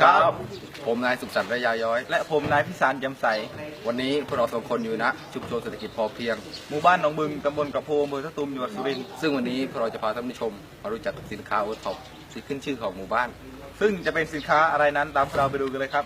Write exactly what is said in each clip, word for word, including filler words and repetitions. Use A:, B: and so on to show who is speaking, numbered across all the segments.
A: ครับผมนายสุขสันต์ระยาย้อย
B: และผมนายพิสารจำใส
A: วันนี้พวกเราสองคนอยู่ณชุมชนเศรษฐกิจพอเพียง
B: หมู่บ้านหนองบึงตำบลกระโพอำเภอสตูมจังหวัดสุรินทร์
A: ซึ่งวันนี้พวกเราจะพาท่านผู้ชมมารู้จักสินค้าโอท็อปที่ขึ้นชื่อของหมู่บ้าน
B: ซึ่งจะเป็นสินค้าอะไรนั้นตามเราไปดูกันเลยครับ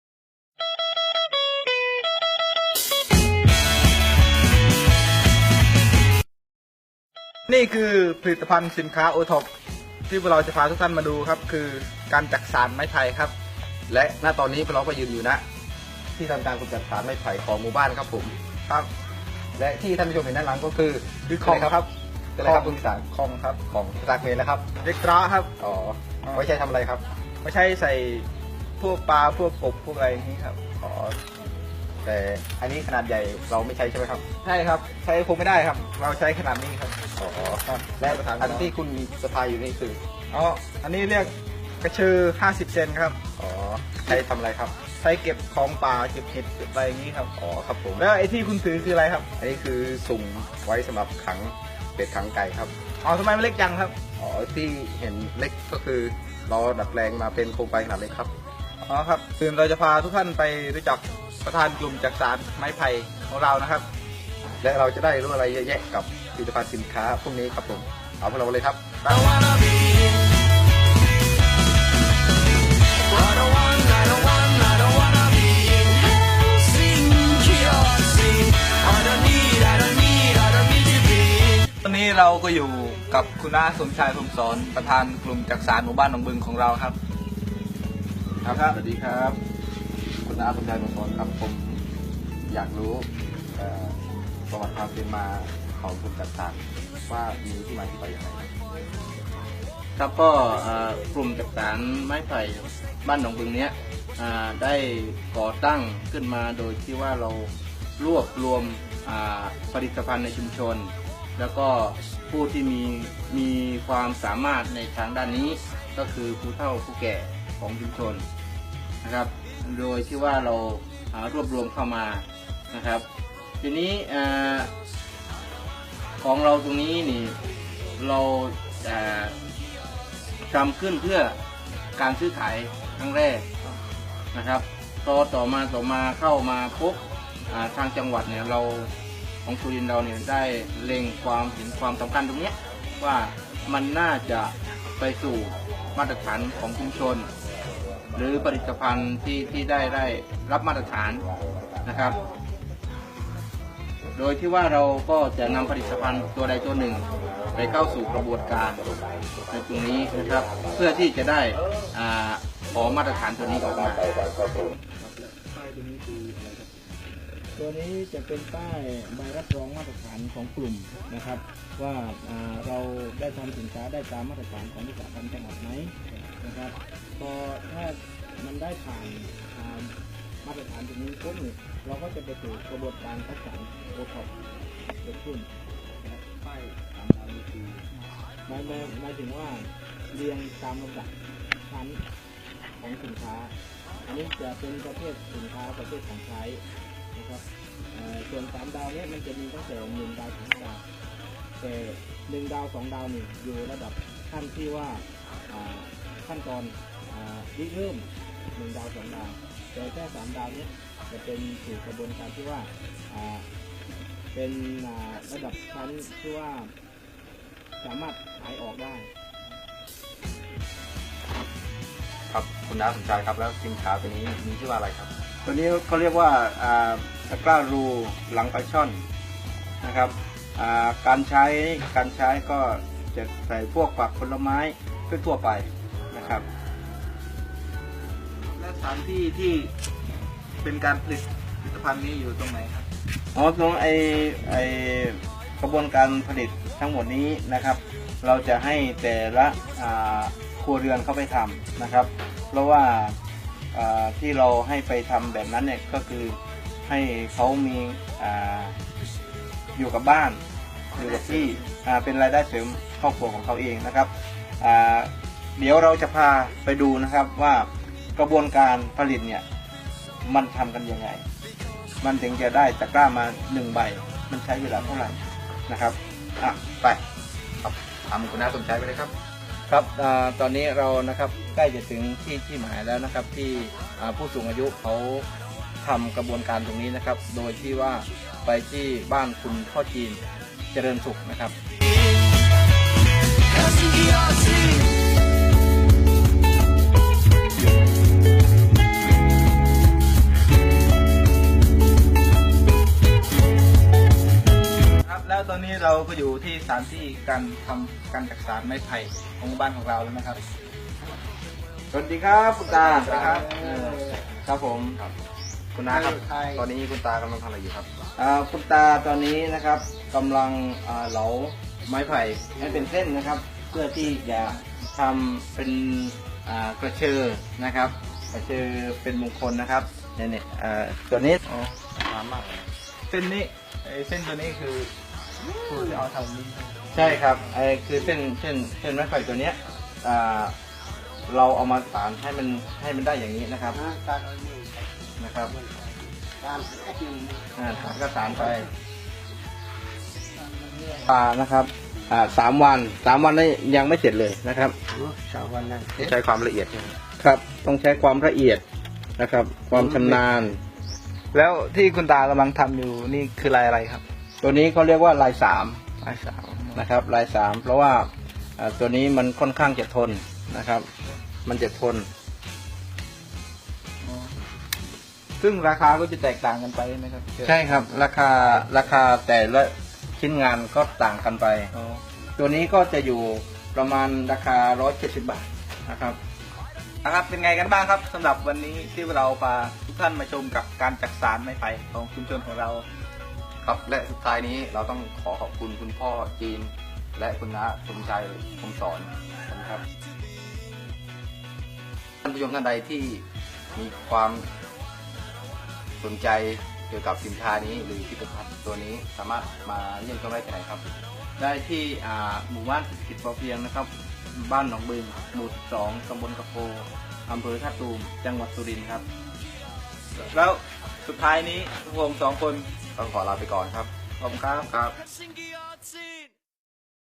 B: นี่คือผลิตภัณฑ์สินค้าโอท็อปที่พวกเราจะพาทุกท่านมาดูครับคือการจักสานไม้ไผ่ครับ
A: และณตอนนี้พวกเราก็ยืนอยู่ณที่ทำการกำจัดสารไม้ไผ่ของหมู่บ้านครับผม
B: ครับ
A: และที่ท่านผู้ชมเห็นด้านหลังก็คือ
B: คือของครับ
A: อะไรครับคุณพิสาร
B: ของครับ
A: ของตากเมนนะครับ
B: เด็กตราครับ
A: อ๋อไว้ใช้ทำอะไรครับ
B: ไม่ใช่ใส่พวกปลาพวกกบพวกอะไรอย่างนี้ครับ
A: อ๋อแต่อันนี้ขนาดใหญ่เราไม่ใช้ใช่ไหมครับ
B: ใช่ครับใช้คงไม่ได้ครับเราใช้ขนาดนี้ครับ
A: อ๋อและอันที่คุณสะพายอยู่นี่คือ
B: อ๋ออันนี้เรียกกระชือห้าสิบเซนครับ
A: อ๋อใช้ทำอะไรครับ
B: ใช้เก็บของป่าเก็บเห็ดเก็บอะไรอย่างนี้ครับ
A: อ๋อครับผม
B: แล้วไอ้ที่คุณถือคืออะไรครับ
A: อันนี้คือสุ่มไว้สำหรับขังเป็ดขังไก่ครับ
B: อ๋อทำไมมันเล็กจังครับ
A: อ๋อที่เห็นเล็กก็คือเราดัดแปลงมาเป็นโครงไฟขนาดเล็กครับ
B: อ๋อครับคือเราจะพาทุกท่านไปรู้จักประธานกลุ่มจักสานไม้ไผ่ของเรานะครับ
A: และเราจะได้รู้อะไรเยอะแยะกับผลิตภัณฑ์สินค้าพวกนี้ครับผมเอาพวกเราเลยครับ
B: ตอนนี้เราก็อยู่กับคุณน้าสมชายพรหมสอนประธานกลุ่มจักสานหมู่บ้านหนองบึงของเราครับ
A: ครับสวัสดีครับคุณน้าสมชายพรหมสอนครับผมอยากรู้ประวัติความเป็นมาของกลุ่มจักสานว่ามีที่มาที่ไปอย่างไร
C: ครับก็กลุ่มจักสานไม้ไผ่บ้านหนองบึงเนี้ยได้ก่อตั้งขึ้นมาโดยที่ว่าเรารวบรวมผลิตภัณฑ์ในชุมชนแล้วก็ผู้ที่มีมีความสามารถในทางด้านนี้ก็คือผู้เฒ่าผู้แก่ของชุมชนนะครับโดยที่ว่าเรารวบรวมเข้ามานะครับทีนี้ของเราตรงนี้นี่เราทำขึ้นเพื่อการซื้อขายครั้งแรกนะครับต่อต่อมาต่อมาเข้ามาพบทางจังหวัดเนี่ยเราของสุรินทร์เราเนี่ยได้เล็งความเห็นความสำคัญตรงนี้ว่ามันน่าจะไปสู่มาตรฐานของชุมชนหรือผลิตภัณฑ์ที่ที่ได้ได้รับมาตรฐานนะครับโดยที่ว่าเราก็จะนำผลิตภัณฑ์ตัวใดตัวหนึ่งไปเข้าสู่กระบวนการในตรงนี้นะครับเพื่อที่จะได้ขอมาตรฐานตัวนี้ออกมา
D: ตัวนี้จะเป็นป้ายใบรับรองมาตรฐานของกลุ่มนะครับว่าเราได้ทำสินค้าได้ตามมาตรฐานของวิสาหกิจจังหวัดไหมนะครับพอถ้ามันได้ผ่านมาตรฐานตรงนี้ปุ๊บเราก็จะไปสู่กระบวนการคัดสรรโอท็อปเกิดขึ้นนะป้ายตามดาวนีหมายหมายถึงว่าเรียงตามลำดับชั้นของสินค้าอันนี้จะเป็นประเภทสินค้าประเภทของใช้นะครับส่วนสามดาวเนี่ยมันจะมีตั้งแต่หนึ่งดาวถึงดาวแต่หนึ่งดาวสองดาวนี่อยู่ระดับขั้นที่ว่าขั้นตอนริเริ่มหนึ่งดาวสองดาวแต่แค่สามดาวเนี่ยจะเป็นสู่กระบวนการที่ว่าเป็นระดับชั้นที่ว่าสามารถขายออกได้
A: ครับคุณน้าสมชายครับแล้วสินค้าตัวนี้มีชื่อว่าอะไรครับ
C: ตัวนี้เขาเรียกว่าตะกร้ารูหลังปลาช่อนนะครับการใช้การใช้ก็จะใส่พวกผักผลไม้ทั่วไปนะครับ
B: และสถานที่ที่เป็นการผลิตผลิตภัณฑ์นี้อยู่ตรงไหนครับ
C: อ๋อตรงไอไอกระบวนการผลิตทั้งหมดนี้นะครับเราจะให้แต่ละครัวเรือนเข้าไปทำนะครับเพราะว่าที่เราให้ไปทำแบบนั้นเนี่ยก็คือให้เขามีออยู่กับบ้านอยู่กับที่เป็นรายได้เสริมครอบครัวของเขาเองนะครับเดี๋ยวเราจะพาไปดูนะครับว่ากระบวนการผลิตเนี่ยมันทำกันยังไงมันถึงจะได้ตะกร้ามาหนึ่งใบมันใช้เวลาเท่าไหร่นะครับอ่ะไป
A: ครับทำคุณน้าสมชายไปเลยครับ
C: ครับอาตอนนี้เรานะครับใกล้จะถึงที่ที่หมายแล้วนะครับที่อ่าผู้สูงอายุเขาทำกระบวนการตรงนี้นะครับ โดยที่ว่าไปที่บ้านคุณพ่อจีนเจริญสุขนะครับ
B: ครับแล้วตอนนี้เราก็อยู่ที่สถานที่การทำการจักสานไม้ไผ่ของบ้านของเราแล้วนะครับ
C: สวัสดีครับคุณตา
B: สวัสดีครับ
C: เออครับผม
A: ครับคุณน้าครับตอนนี้คุณตากำลังทำอะไรอยู่ครับ
C: อ่าคุณตาตอนนี้นะครับกำลังอ่าเหลาไม้ไผ่ให้เป็นเส้นนะครับ เพื่อที่จะทำเป็นอ่ากระเชอนะครับกระเชอเป็นมงคลนะครับเนี่ยเนี่ยอ่าตัวนี้
B: อ๋อสามารถเส้นนี้ไอ้เส้นตัวนี้คือคือจะเอาทำนี้
C: ใช่ครับไอ้คือเส้นเส้นเส้นไม้ไผ่ตัวเนี้ยอ่าเราเอามาสานให้มันให้มันได้อย่างนี้นะครับนะครับอ่าสานก็สานไปปลานะครับอ่าสามวันสามวันนี้ยังไม่เสร็จเลยนะครับ
D: สามวันนั้น
A: ใช้ความละเอียดใช่ไหม
C: ครับต้องใช้ความละเอียดนะครับ ความชำนาญ
B: แล้วที่คุณตากำลังทำอยู่นี่คือลายอะไรครับ
C: ตัวนี้เขาเรียกว่าลายสาม
B: ลายสาว
C: นะครับลายสามเพราะว่าอ่าตัวนี้มันค่อนข้างจะทนนะครับ มันจะทน
B: ซึ่งราคาก็จะแตกต่างกันไปไหมครับ
C: ใช่ครับราคาราคาแต่ละชิ้นงานก็ต่างกันไป
B: อ๋อ
C: ตัวนี้ก็จะอยู่ประมาณราคาหนึ่งร้อยเจ็ดสิบบาทนะครับ
B: นะครับเป็นไงกันบ้างครับสำหรับวันนี้ที่เราพาทุกท่านมาชมกับการจักสานไม้ไผ่ของชุมชนของเรา
A: ครับและสุดท้ายนี้เราต้องขอขอบคุณคุณพ่อจีน และคุณน้าสมชัยคมสอนนะครับท่านผู้ชมท่านใดที่มีความสนใจเกี่ยวกับสินค้านี้หรือผลิตภัณฑ์ตัวนี้สามารถมาเยี่ยมชมได้ที่ไหนครับ
C: ได้ที่อ่าหมู่บ้านเศรษฐกิจพอเพียงนะครับ บ้านหนองบึงหมู่สิบสองตำบลกระโพอำเภอท่าตูมจังหวัดสุรินทร์ครับ
B: แล้วสุดท้ายนี้พวกผมสองคน
A: ต้องขอลาไปก่อนครับ
B: ขอบคุณครับ
A: ครับ
E: Pressing